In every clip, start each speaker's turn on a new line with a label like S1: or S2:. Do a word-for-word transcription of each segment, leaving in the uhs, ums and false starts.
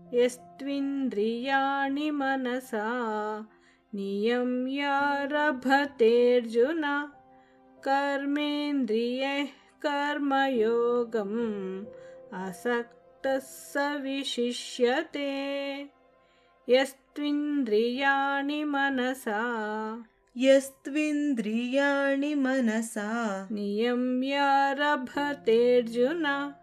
S1: यस्त्विन्द्रियाणि मनसा नियम्यारभतेऽर्जुन कर्मेन्द्रियैः कर्मयोगम् असक्तः स विशिष्यते। यस्त्विन्द्रियाणि मनसा
S2: यस्त्विन्द्रियाणि मनसा
S1: नियम्यारभतेऽर्जुन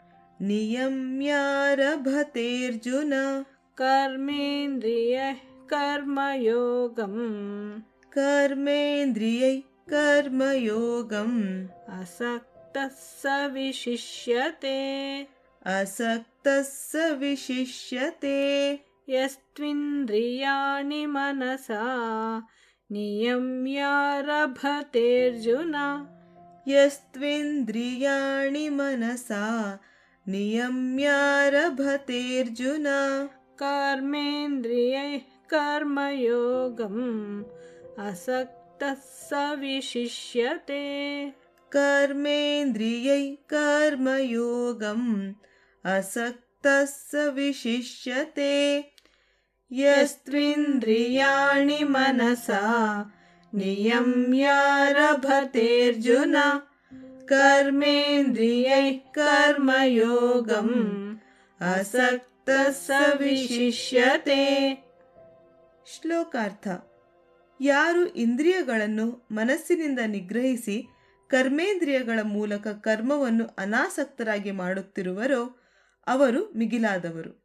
S2: नियम्यारभतेऽर्जुन
S1: कर्मेन्द्रियैः कर्मयोगम्
S2: कर्मेन्द्रियैः कर्मयोगम्
S1: असक्तः स विशिष्यते।
S2: असक्तः स विशिष्यते।
S1: यस्त्विन्द्रियाणि मनसा नियम्यारभतेऽर्जुन
S2: यस्त्विन्द्रियाणि मनसा नियम्यारभतेऽर्जुन
S1: कर्मेन्द्रियैः कर्मयोगम् असक्तः स विशिष्यते।
S2: कर्मेन्द्रियैः कर्मयोगम् असक्तः स विशिष्यते।
S1: यस्त्विन्द्रियाणि मनसा नियम्यारभतेऽर्जुन कर्मेन्द्रियैः कर्मयोगम् असक्तः स ವಿಶಿಷ್ಯತೆ.
S2: ಶ್ಲೋಕಾರ್ಥ. ಯಾರು ಇಂದ್ರಿಯಗಳನ್ನು ಮನಸ್ಸಿನಿಂದ ನಿಗ್ರಹಿಸಿ ಕರ್ಮೇಂದ್ರಿಯಗಳ ಮೂಲಕ ಕರ್ಮವನ್ನು ಅನಾಸಕ್ತರಾಗಿ ಮಾಡುತ್ತಿರುವರೋ ಅವರು ಮಿಗಿಲಾದವರು.